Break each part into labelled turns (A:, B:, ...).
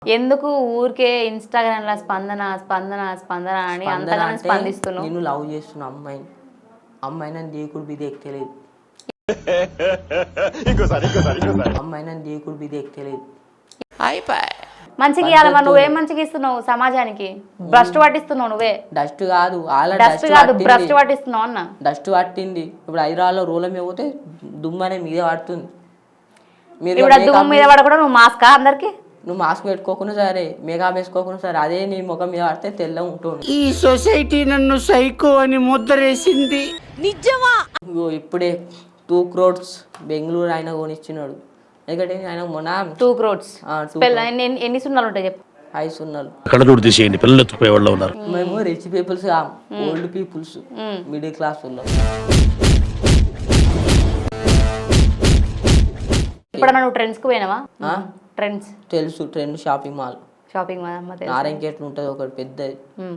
A: ఎందుకు ఊరికే ఇన్స్టాగ్రామ్ లో స్పందన స్పందన స్పందన అని అంతగానో స్పందిస్తున్నావు?
B: నేను లవ్ చేస్తున్నా అమ్మాయి నన్ను దేకుడు బిది ఎక్కలేదు. అమ్మాయి నన్ను దేకుడు బిది ఎక్కలేదు.
A: మంచిగా ఇవ్వాలి మరి, నువ్వేం మంచిగా ఇస్తున్నావు సమాజానికి? భ్రష్టు పట్టిస్తున్నావు నువ్వే.
B: డస్ట్ కాదు
A: భ్రష్టు పట్టిస్తున్నావు అన్న.
B: డస్ట్ పట్టింది. ఇప్పుడు హైదరాబాద్లో రూలం పోతే దుమ్ము అనేది మీద పడుతుంది.
A: ఇప్పుడు దుమ్ము మీద పడకుండా నువ్వు మాస్కా అందరికి?
B: నువ్వు మాస్క్ పెట్టుకోకుండా సరే, మేకప్ వేసుకోకుండా సరే, అదే నీ ముఖం మీద పడితే తెల్లగా ఉంటుంది.
C: ఈ సొసైటీ నన్ను సైకో అని ముద్రేసింది.
A: నిజమా?
B: ఇప్పుడే 2 crores బెంగళూరు ఆయన కొనిచ్చినాడు. ఎందుకంటే ఆయన మొన్న
A: 2 crores ఎన్ని సున్నాలు ఉంటాయి చెప్పు?
B: 5 సున్నాలు.
D: కళ్ళజోడు తీసేయండి, పిల్లలు ఎత్తుకుపోయే వాళ్ళు ఉన్నారు.
B: మేము rich peoples, old peoples, middle class ఉన్నాం.
A: ఇప్పుడు నువ్వు ట్రెండ్స్కి పోయినావా? ట్రెండ్స్
B: తెలుసు, Trend shopping mall.
A: Shopping mall అమ్మ తెలుసు.
B: నారాయణకేట్లు ఉంటుంది ఒకటి పెద్దది.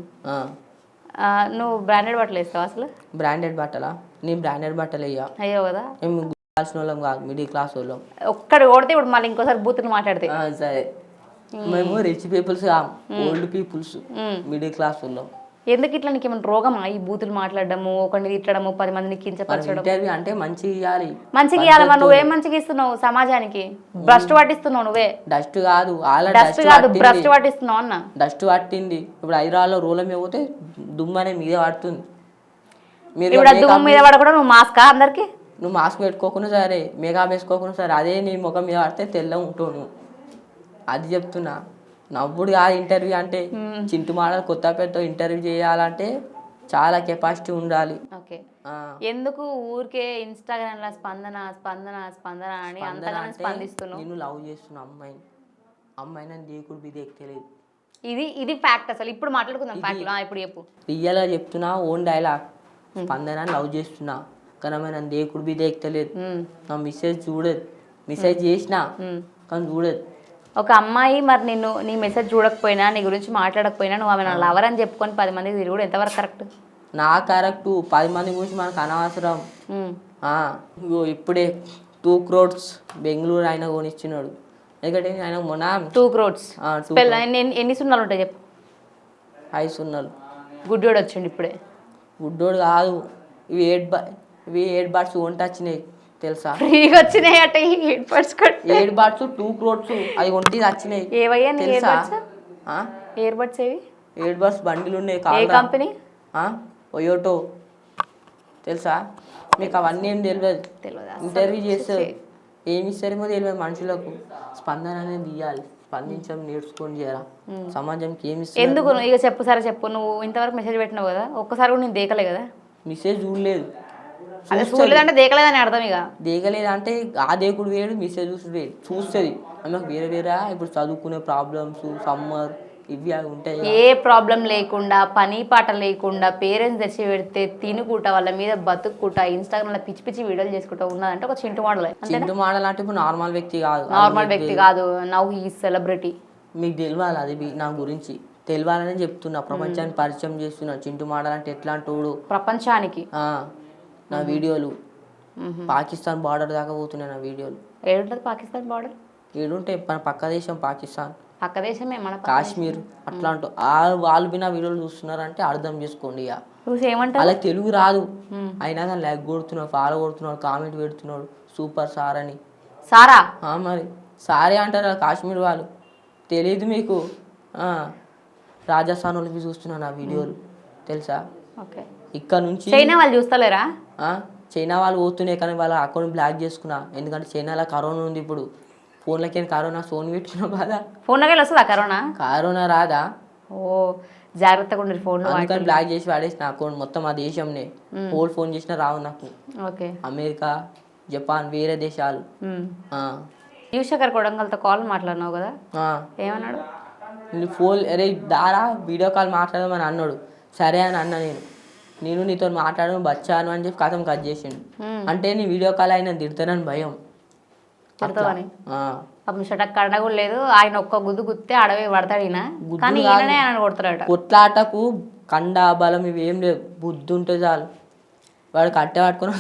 A: నువ్వు బ్రాండెడ్ బట్టలు వేస్తావా అసలు?
B: బ్రాండెడ్ బట్టలా? నేను బ్రాండెడ్ బట్టలు వేయ.
A: అయ్యో కదా,
B: మేము కావాల్సిన వాళ్ళం కాదు, మిడిల్ క్లాస్ వాళ్ళం.
A: ఒక్కడు కొడితే ఇప్పుడు మళ్ళీ ఇంకోసారి బూతులు మాట్లాడితే
B: సరే. మేము rich peoples, old peoples, middle class వాళ్ళం.
A: ఎందుకు ఇట్లా నీకు ఏమైనా రోగమా ఈ బూతులు మాట్లాడము, ఒకరిని తిట్టడము, 10 మందిని కించపరచడం?
B: ఇంటర్వ్యూ అంటే మంచిగా ఇవ్వాలి.
A: మంచిగా ఇవ్వాలి మరి, నువ్వేం మంచిగా ఇస్తున్నావు సమాజానికి? భ్రష్టు పట్టిస్తున్నావు నువ్వే.
B: డస్ట్ కాదు
A: భ్రష్టు పట్టిస్తున్నావు అన్న.
B: డస్ట్ పట్టింది. ఇప్పుడు హైదరాబాద్లో రూలం పోతే దుమ్ము అనేది మీద పడుతుంది.
A: ఇప్పుడు దుమ్ము మీద పడకుండా నువ్వు మాస్కా అందరికి?
B: నువ్వు మాస్క్ పెట్టుకోకుండా సరే, మేకప్ వేసుకోకుండా సరే, అదే నీ ముఖం మీద పడితే తెల్లగా ఉంటావు. అది చెప్తున్నా. నవ్వుడు కాదు ఇంటర్వ్యూ అంటే. చింటు మాడల్ కొత్తపేటతో ఇంటర్వ్యూ చేయాలంటే చాలా కెపాసిటీ ఉండాలి.
A: ఓకే. ఎందుకు ఊరికే ఇన్స్టాగ్రామ్ లో స్పందన స్పందన స్పందన అని అంతగానో స్పందిస్తున్నావు?
B: నేను లవ్ చేస్తున్నా అమ్మాయి నన్ను దేకుడు బిది ఎక్కలేదు.
A: ఇది ఫ్యాక్ట్. అసలు ఇప్పుడు మాట్లాడుకుందాం ఫ్యాక్ట్. ఇప్పుడు చెప్పు.
B: రియల్ గా చెప్తున్నా, ఓన్ డైలాగ్. స్పందన లవ్ చేస్తున్నా కానీ అమ్మాయి నన్ను దేకుడు బిది ఎక్కలేదు. నా మెసేజ్ చూడదు. మెసేజ్ చేసినా కానీ చూడదు.
A: ఒక అమ్మాయి మరి నీ మెసేజ్ చూడకపోయినా, నీ గురించి మాట్లాడకపోయినా, నువ్వు ఆమె నా లవర్ అని చెప్పుకొని 10 మందికి తిరుగుడు ఎంతవరకు కరెక్ట్?
B: నా కరెక్ట్. 10 మంది గురించి మనకు అనవసరం. ఇప్పుడే 2 crores బెంగళూరు ఆయన కొనిచ్చినాడు. ఎందుకంటే ఆయన మొన్న
A: 2 crores ఎన్ని సున్నాలు ఉంటాయి చెప్పు?
B: 5 సున్నాలు.
A: గుడ్డోడు వచ్చిండు ఇప్పుడే.
B: గుడ్డోడు కాదు, ఇవి 8 బర్డ్స్ వంట వచ్చినాయి తెలుసా?
A: ఫ్రీగా వచ్చినాయి అట 8 బర్డ్స్.
B: 8 బర్డ్స్ 2 crores అవి ఒంటి వచ్చినాయి.
A: ఏవయ్యా
B: తెలుసా?
A: ఎయిర్ బడ్స్ ఏవి? 8
B: బర్డ్స్ బండిలు ఉన్నాయి.
A: ఏ కంపెనీ?
B: ఒయోటో. తెలుసా మీకు? అవన్నీ ఏం తెలియదు. ఇంటర్వ్యూ చేస్తారు, ఏమి ఇస్తారేమో తెలియదు మనుషులకు. స్పందన అనేది ఇవ్వాలి. స్పందించడం నేర్చుకొని చేయరా సమాజంకి. ఏమి
A: ఎందుకు ఇక చెప్పు సరే చెప్పు. నువ్వు ఇంతవరకు మెసేజ్ పెట్టినావు కదా, ఒక్కసారి కూడా నేను దేకలే కదా?
B: మెసేజ్ చూడలేదు.
A: అదే చూడలేదంటే దేకలేదని అర్థం. ఇక
B: దేకలేదంటే ఆ దేకుడు వేడు, మెసేజ్ చూస్తుంది. ఆమెకు వేరే ఇప్పుడు చదువుకునే ప్రాబ్లమ్స్, సమ్మర్, ఇవి అవి ఉంటాయి.
A: ఏ ప్రాబ్లం లేకుండా, పని పాట లేకుండా, పేరెంట్స్ తెచ్చి పెడితే తినుకుంటా, వాళ్ళ మీద బతుక్కుంటా, ఇన్స్టాగ్రామ్ లో పిచ్చి పిచ్చి వీడియోలు చేసుకుంటా ఉన్నదంటే ఒక చింటు మోడల్.
B: చింటు మోడల్ అంటే ఇప్పుడు నార్మల్ వ్యక్తి
A: కాదు. Now he celebrity.
B: మీకు తెలియాలి అది నా గురించి. తెలియాలని చెప్తున్నా, ప్రపంచానికి పరిచయం చేస్తున్నా. చింటు మోడల్ అంటే ఎట్లాంటోడు
A: ప్రపంచానికి.
B: నా వీడియోలు పాకిస్తాన్ బార్డర్ దాకా పోతున్నాయి. నా వీడియోలు
A: ఏడుంటది పాకిస్తాన్ బార్డర్?
B: ఏడుంటాయి. మన పక్క దేశం పాకిస్తాన్,
A: పక్క దేశమే మన
B: కాశ్మీర్. అట్లాంటి వాళ్ళు బినా వీడియోలు చూస్తున్నారంటే అర్థం చేసుకోండి. ఇక అలా తెలుగు రాదు అయినా కానీ లైక్ కొడుతున్నాడు, ఫాలో కొడుతున్నాడు, కామెంట్ పెడుతున్నాడు సూపర్ సార్ అని.
A: సారా?
B: మరి సారే అంటారు కాశ్మీర్ వాళ్ళు. తెలీదు మీకు? రాజస్థాన్ వాళ్ళకి చూస్తున్నా నా వీడియోలు తెలుసా? ఇక్కడ నుంచి
A: చైనా వాళ్ళు చూస్తలేరా?
B: చైనా వాళ్ళు పోతున్నాయి కానీ వాళ్ళ అకౌంట్ బ్లాక్ చేసుకున్నా. ఎందుకంటే చైనాలో కరోనా ఉంది. ఇప్పుడు ఫోన్లకి కరోనా సోన్ పెట్టుకున్నా బాధ.
A: ఫోన్లోకి వస్తుందా కరోనా?
B: కరోనా రాదా?
A: ఓ జాగ్రత్తగా ఉండే ఫోన్.
B: అందుకని బ్లాక్ చేసి వాడేసిన అకౌంట్ మొత్తం. ఆ దేశంనే హోల్ ఫోన్ చేసినా రావు నాకు. అమెరికా, జపాన్, వేరే దేశాలు.
A: యువశేఖర్ కొడంగల్తో కాల్ మాట్లాడినావు కదా, ఏమన్నాడు?
B: ఫోన్ అరే దారా వీడియో కాల్ మాట్లాడమని అన్నాడు. సరే అని అన్నా. నేను నీతో మాట్లాడను బచ్చాను అని చెప్పి కథం కట్ చేసిండు. అంటే నీ వీడియో కాల్ అయినా తిడతానని భయం.
A: షటక్ కడ కూడా లేదు. ఆయన ఒక్క గుద్దు గుత్తే అడవి పడతాడు. కానీ కొడతాడు.
B: కొట్లాటకు కండ బలం ఇవి ఏం లేవు, బుద్ధి ఉంటే చాలు. వాడు కట్టె పట్టుకుని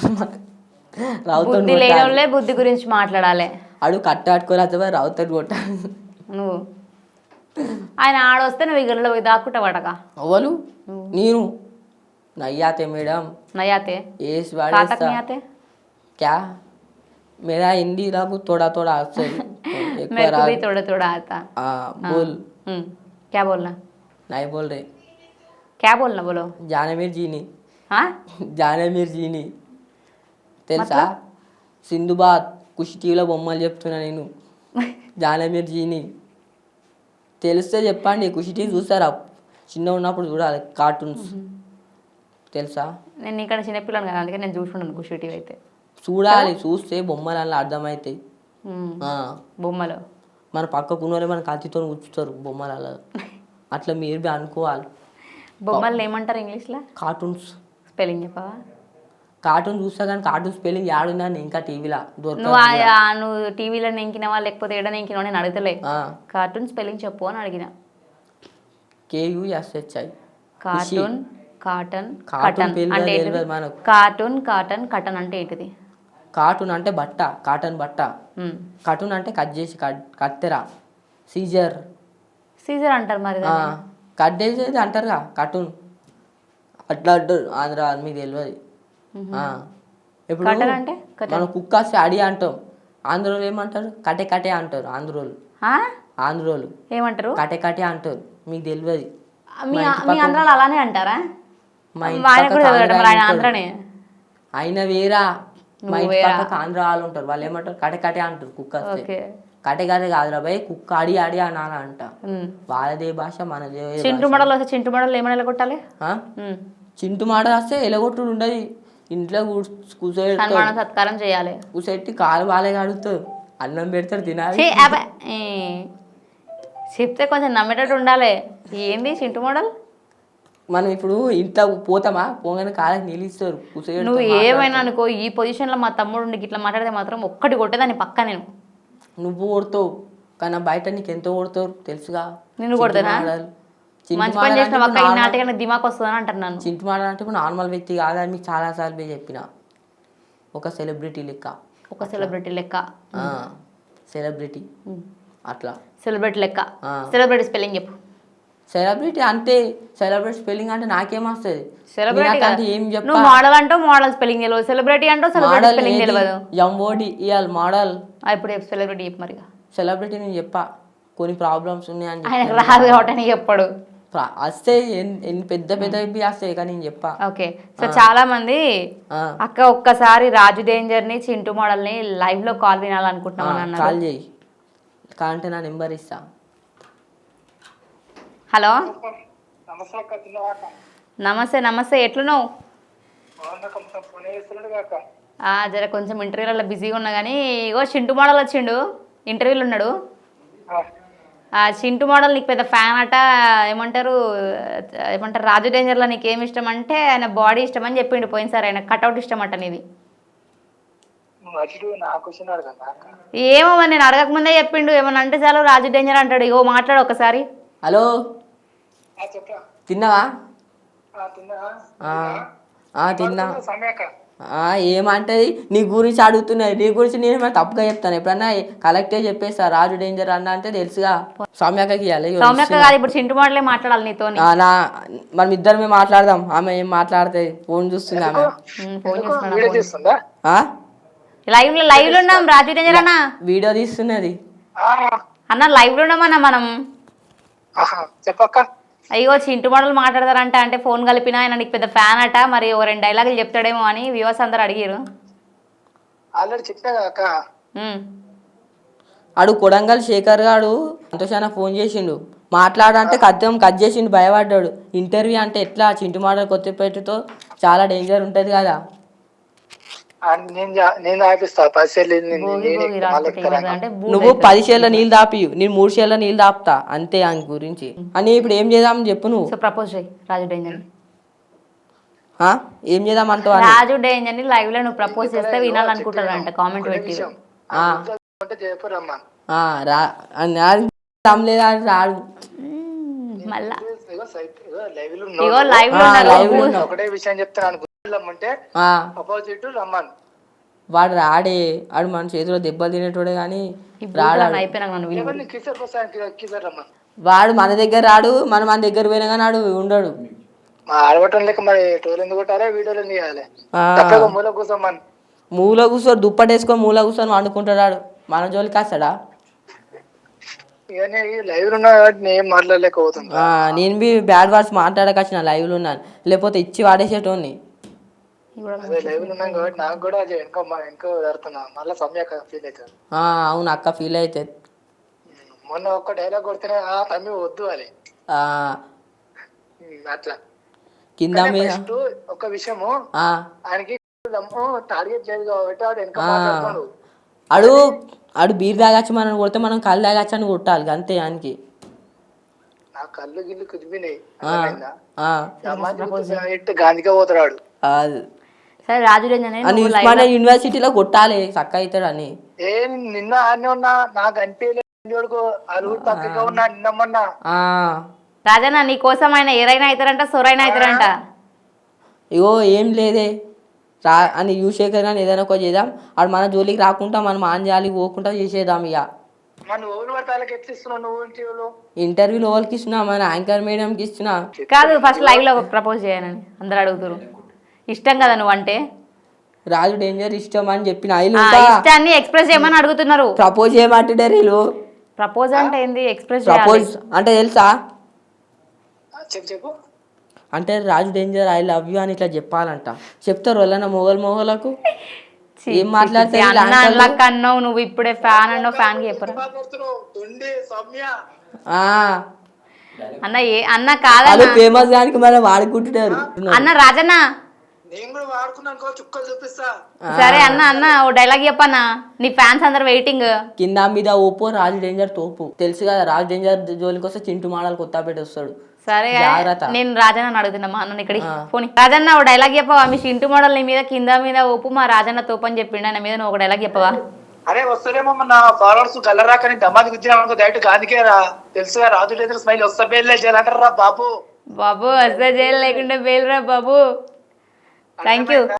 A: బుద్ధి గురించి మాట్లాడాలి.
B: అడు కట్టె పట్టుకొని రావుతాడు కొట్టాలి.
A: నువ్వు ఆయన ఆడొస్తే నువ్వు ఈ గల్లలో పోయి దాక్కుంటా పడక
B: అవ్వలు నేను నయ్యాతే మేడం
A: నయాతే
B: ఏసి
A: కాతక్
B: వాడేస్తా
A: నయాతే
B: क्या मेरा हिंदी लागू थोड़ा थोड़ा आता है एक
A: मेरे
B: बार
A: को भी थोड़ा थोड़ा आता
B: बोल
A: क्या बोलना
B: नहीं बोल रहे
A: क्या बोलना बोलो
B: జానమీర్ జీని
A: हाँ
B: జానమీర్ జీని తెలుసా సింధుబాద్ కుషి టీవీలో బొమ్మలు చెప్తున్నా నేను జానమీర్ జీని తెలిస్తే చెప్పండి కుషి టీవీ చూస్తారా చిన్న ఉన్నప్పుడు చూడాలి కార్టూన్స్ తెలుసా
A: నేను ఇక్కడ చిన్నపిల్లని కదా అందుకే నేను చూసుకున్నాను ఖుషి టీవీ అయితే
B: చూడాలి చూస్తే బొమ్మలు అలా అర్థమవుతాయి ఆ,
A: బొమ్మలు
B: మన పక్కకున్నోరే మన కత్తితో కూర్చుతారు బొమ్మలు అలా అట్లా మీరు బి అనుకోవాలి
A: బొమ్మలు ఏమంటారు ఇంగ్లీష్లో
B: కార్టూన్స్
A: స్పెల్లింగ్ చెప్పవా
B: కార్టూన్ చూస్తా కానీ కార్టూన్ స్పెల్లింగ్ యాడుందని ఇంకా టీవీలో
A: నువ్వు నువ్వు టీవీలో నెంకినవా లేకపోతే ఎడ నెంకినవా నేను అడగలే కార్టూన్ స్పెల్లింగ్ చెప్పు అని అడిగిన
B: KUSHI
A: cartoon cotton
B: cartoon
A: cotton
B: పేరు
A: అంటే
B: తెలియదు
A: ఏంటిది
B: మనకు
A: కార్టూన్ కాటన్ కటన్ అంటే ఏంటిది
B: కార్టూన్ అంటే బట్ట కాటన్ బట్ట కార్టూన్ అంటే కట్ చేసి కత్తెర సీజర్
A: సీజర్ అంటారు మరి దాన్ని.
B: కట్ చేసేది అంటారుగా కార్టూన్ అట్లా అంటారు ఆంధ్ర మీకు తెలియదు ఇప్పుడు
A: కటన్ అంటే కటన్
B: మనం కుక్క వస్తే అడి అంటాం ఆంధ్రోలు ఏమంటారు కటే కటే అంటారు ఆంధ్రోలు
A: ఆ?
B: ఆంధ్రోలు
A: ఏమంటారు
B: కటే కటే అంటారు మీకు తెలియదు
A: మీ ఆంధ్రాలో అలానే అంటారా
B: మా ఇంటి
A: ఆయన కూడా
B: పక్కకు
A: చదివాడు
B: ఆంధ్ర
A: మరి ఆయన
B: ఉంటారు.
A: ఆంధ్రనే
B: ఆయన వేరా మా
A: నువ్వు
B: ఇంటి
A: వేరా.
B: పక్కకు ఆంధ్ర వాళ్ళు ఉంటారు వాళ్ళు ఏమంటారు కటే కటే అంటారు కుక్క వస్తే
A: ఓకే
B: కటే కటే కాదురా భయ్ కుక్క అడి అడి అనాలి అంట వాళ్ళదే భాష మనదే
A: చింటు మడలు వస్తే చింటు మడలు ఏమైనా వెళ్ళగొట్టాలి
B: ఆ? చింటు మాట వస్తే ఎలగొట్టుడు ఉండదు ఇంట్లో కూర్చోబెడతారు
A: సన్మానం సత్కారం చేయాలి
B: కూర్చోబెట్టి కాలు బాలే కడుగుతారు అన్నం పెడతారు తినాలి
A: ఛీ, అబ్బే. ఈ, చెప్తే కొంచెం నమ్మేటట్టు ఉండాలి ఏంది చింటు మోడల్
B: మనం ఇప్పుడు ఇంట్లో పోతామా పోగానే కాళ్ళకి నీళ్ళు ఇస్తారు
A: నువ్వు ఏమైనా అనుకో ఈ పొజిషన్లో మా తమ్ముడు ఉండి ఇట్లా మాట్లాడితే మాత్రం ఒక్కటి కొట్టేదాన్ని పక్క నేను
B: నువ్వు కొడతావు కానీ బయట నీకు ఎంతో కొడతారు తెలుసుగా
A: నిన్ను కొడతానా? మంచి పని చేసిన పక్క ఈ నాటికన్నా దిమాక్ వస్తుందని అంటున్నాను
B: చింటు మాట అంటే ఇప్పుడు నార్మల్ వ్యక్తి కాదని మీకు చాలాసార్లు పోయి చెప్పిన ఒక సెలబ్రిటీ లెక్క
A: ఒక సెలబ్రిటీ లెక్క
B: సెలబ్రిటీ అట్లా
A: సెలబ్రిటీ లెక్క
B: ఆ.
A: సెలబ్రిటీ స్పెల్లింగ్ చెప్పు
B: సెలబ్రిటీ అంటే సెలబ్రిటీ స్పెల్లింగ్ అంటే నాకేమొస్తుంది
A: సెలబ్రిటీ
B: నేనట్లాంటి ఏం చెప్పా
A: నువ్వు మోడల్ అంటావు మోడల్ స్పెల్లింగ్ తెలియదు సెలబ్రిటీ అంటావు సెలబ్రిటీ
B: మోడల్
A: స్పెల్లింగ్ తెలియదు
B: ఎంఓడి ఇవాళ మోడల్
A: ఇప్పుడు సెలబ్రిటీ చెప్పు మరి
B: సెలబ్రిటీ నేను చెప్పా కొన్ని ప్రాబ్లమ్స్ ఉన్నాయని
A: ఆయన రాదు కాబట్టి అని చెప్పాడు
B: వస్తే ఎన్ని పెద్ద పెద్ద వస్తాయి కానీ నేను చెప్పా
A: ఓకే సో చాలా మంది
B: ఆ,
A: అక్క ఒక్కసారి రాజు డేంజర్ ని చింటూ మోడల్ ని లైవ్ లో కాల్ వినాలనుకుంటున్నాం అని అన్నారు
B: కాల్ చేయి కాంటే నా నెంబర్ ఇస్తా
A: హలో నమస్తే నమస్తే ఎట్లున్నావు జర కొంచెం ఇంటర్వ్యూలలో బిజీగా ఉన్నా కానీ ఇగో చింటూ మోడల్ వచ్చిండు ఇంటర్వ్యూలో ఉన్నాడు ఆ చింటూ మోడల్ నీకు పెద్ద ఫ్యాన్ అట ఏమంటారు రాజు డేంజర్లో నీకు ఏమి ఇష్టం అంటే ఆయన బాడీ ఇష్టం అని చెప్పిండు పోయినసారి ఆయన కట్అవుట్ ఇష్టం అట నీది ఏమో మరి నేను అడగకముందే చెప్పిండు ఏమన్నా అంటే చాలు రాజు డేంజర్ అంటాడు ఇగో మాట్లాడు ఒకసారి
B: హలో తిన్నావా తిన్నా ఏమంటది నీ గురించి అడుగుతున్నది నీ గురించి నేను ఏమైనా తప్పుగా చెప్తాను ఎప్పుడన్నా కలెక్టే చెప్పేస్తా రాజు డేంజర్ అన్న అంటే తెలుసుగా సౌమ్యకకి ఇవ్వాలి
A: సౌమ్యక్క కాదు ఇప్పుడు చింటూ మోడలే మాట్లాడాలి నీతో
B: నా మనం ఇద్దరమే మాట్లాడదాం ఆమె ఏం మాట్లాడుతుంది ఫోన్ చూస్తుంది ఆమె
A: ఫోన్ చేస్తున్నా
B: ఆ?
A: లైవ్ లో ఉన్నాం రాజు డేంజర్ అన్న
B: వీడియో తీస్తున్నది
A: అన్న లైవ్ లో ఉన్నామన్నా మనం
E: చెప్పక్క
A: అయ్యో చింటూ మోడల్ మాట్లాడతారంట అంటే ఫోన్ కలిపినా ఆయన నీకు పెద్ద ఫ్యాన్ అట మరి ఓ 2 డైలాగులు చెప్తాడేమో అని వ్యూవర్స్ అందరు అడిగారు
E: ఆల్రెడీ చెప్పినా కదా అక్క
B: ఆడు కొడంగల్ శేఖర్ గాడు సంతోషాన ఫోన్ చేసిండు మాట్లాడంటే కట్ చేసిండు భయపడ్డాడు ఇంటర్వ్యూ అంటే ఎట్లా చింటు మాటలు కొత్తపేటతో చాలా డేంజర్ ఉంటుంది కదా
E: నేను ఆపిస్తా 10 సేర్లు
A: భోగి భోగి రాసి అంటే
B: నువ్వు 10 షేర్ల నీళ్ళు దాపియు నేను 3 షేర్ల నీళ్ళు దాపుతా అంతే ఆయన గురించి అని ఇప్పుడు ఏం చేద్దామని చెప్పు నువ్వు
A: సో ప్రపోజ్ చేయి రాజు డేంజర్
B: ఏం చేద్దామంటావు అని
A: రాజు డేంజర్ ని లైవ్ లో నువ్వు ప్రపోజ్ చేస్తే వినాలనుకుంటారంట కామెంట్ పెట్టి
E: చెప్పరమ్మా
B: లేదా రాడు
A: మళ్ళా
E: ఇగో
A: లైవ్ లో ఉన్నారు
E: ఒకటే విషయం చెప్తాను అంటే అపోజిట్ రమ్మన్
B: వాడు రాడే వాడు మన చేతిలో దెబ్బలు తినేటోడే కానీ రాడా
A: అయిపోయినా నన్ను
E: కిసర్ రమ్మన్
B: వాడు మన దగ్గర రాడు, మన దగ్గర పోయినా కానీ వాడు ఉండడు.
E: మా ఆడవటం లేక మరి టోలు ఎందుకు కొట్టాలి, వీడియోలు ఎందుకు చేయాలి?
B: ఆ.
E: తప్పగా మూల కూర్చోమని.
B: మూల కూర్చొని దుప్పటేసుకొని మూల కూర్చొని వండుకుంటాడు. మన జోలికి వస్తాడా?
E: ఇవన్నీ లైవ్ ఉన్నా కాబట్టి నేను ఏం మాట్లాడలేకపోతుంది.
B: నేను బి బ్యాడ్ వర్డ్స్ మాట్లాడకొచ్చిన లైవ్లో ఉన్నాను, లేకపోతే ఇచ్చి వాడేసేటోని.
E: అదే లైవ్ ఉన్నాం కాబట్టి నాకు కూడా అది వెనక జరుగుతున్నా మళ్ళీ సమయ ఫీల్ అవుతుంది.
B: అవును అక్క ఫీల్ అవుతుంది.
E: మొన్న ఒక్క డైలాగ్ కొడితేనే తమ్మి వద్దు అని అట్లా
B: కింద మీద
E: ఒక విషయము ఆయనకి టార్గెట్ చేయదు కాబట్టి వాడు వెనక మాట్లాడుతున్నాడు.
B: అడు బీర్ తాగచ్చు మనం కొడితే మనం కళ్ళు తాగచ్చు అని కొట్టాలి అంతే. ఆయనకి
E: నా కళ్ళు గిల్లు కుదిపినాయి గాంధీగా పోతాడు.
A: సరే రాజు
B: యూనివర్సిటీలో కొట్టాలి చక్క అవుతాడు అని.
E: నిన్న ఆనే ఉన్నా నాకు అనిపించలేదు, అలుగురు పక్కగా ఉన్నా నిన్నమ్మన్నా.
A: రాజన్న నీ కోసం ఆయన ఎరైనా అవుతారంట, సొరైనా అవుతారంట.
B: ఇగో ఏం లేదే అని యూశేఖర్ కానీ ఏదైనా ఒక చేద్దాం. ఆడు మన జోలికి రాకుండా మనం ఆన్ జాలికి పోకుండా చేసేద్దాం. ఇక ఇంటర్వ్యూలో వాళ్ళకి ఇస్తున్నా, మన యాంకర్ మేడంకి ఇస్తున్నా.
A: కాదు ఫస్ట్ లైవ్ లో ప్రపోజ్ చేయనని అందరు అడుగుతారు. ఇష్టం కదా నువ్వు అంటే?
B: రాజు డేంజర్ ఇష్టం అని చెప్పిన
A: ఇష్టాన్ని ఎక్స్ప్రెస్ చేయమని అడుగుతున్నారు.
B: ప్రపోజ్ చేయమంటారు వీళ్ళు.
A: ప్రపోజ్ అంటే ఏంది? ఎక్స్ప్రెస్
B: ప్రపోజ్ అంటే తెలుసా?
E: చెప్పు.
B: అంటే Raju Danger I love you అని ఇట్లా చెప్పాలంట. చెప్తారు వాళ్ళ మొగలకు ఏం మాట్లాడతారు
A: అన్నావు నువ్వు ఇప్పుడే ఫ్యాన్ అన్నావు, ఫ్యాన్ కి చెప్పరు అన్న. అన్న కాదు
B: ఫేమస్ దానికి మనం వాడుకుంటున్నారు
A: అన్న. రాజన్న సరే అన్న ఓ డైలాగ్ చెప్పన్నా, నీ ఫ్యాన్స్ అందరు వెయిటింగ్.
B: కింద మీద ఓపో రాజు డేంజర్ తోపు తెలుసు కదా. రాజు డేంజర్ జోలికి వస్తే చింటూ మాడలు కొత్తపేట వస్తాడు.
A: సరే నేను రాజన్న అడుగుతున్నా మా అన్న ఇక్కడికి పోనీ. రాజన్న ఓ డైలాగ్ చెప్పవా? మీ చింటూ మోడల్ నీ మీద కింద మీద ఓపు, మా రాజన్న తోపు అని చెప్పిండు. ఆయన మీద నువ్వు ఒక డైలాగ్ చెప్పవా?
E: అరే వస్తారేమో నా ఫాలోవర్స్ గల్లరాకని దమాది గుద్దినా డైరెక్ట్ గాంధీకేరా తెలుసుగా. రాజు డేంజర్ స్మైల్ వస్తా బేల్ చేయాలంటారా బాబు.
A: బాబు వస్తే జైలు లేకుంటే బెయిల్ రా బాబు. Thank you.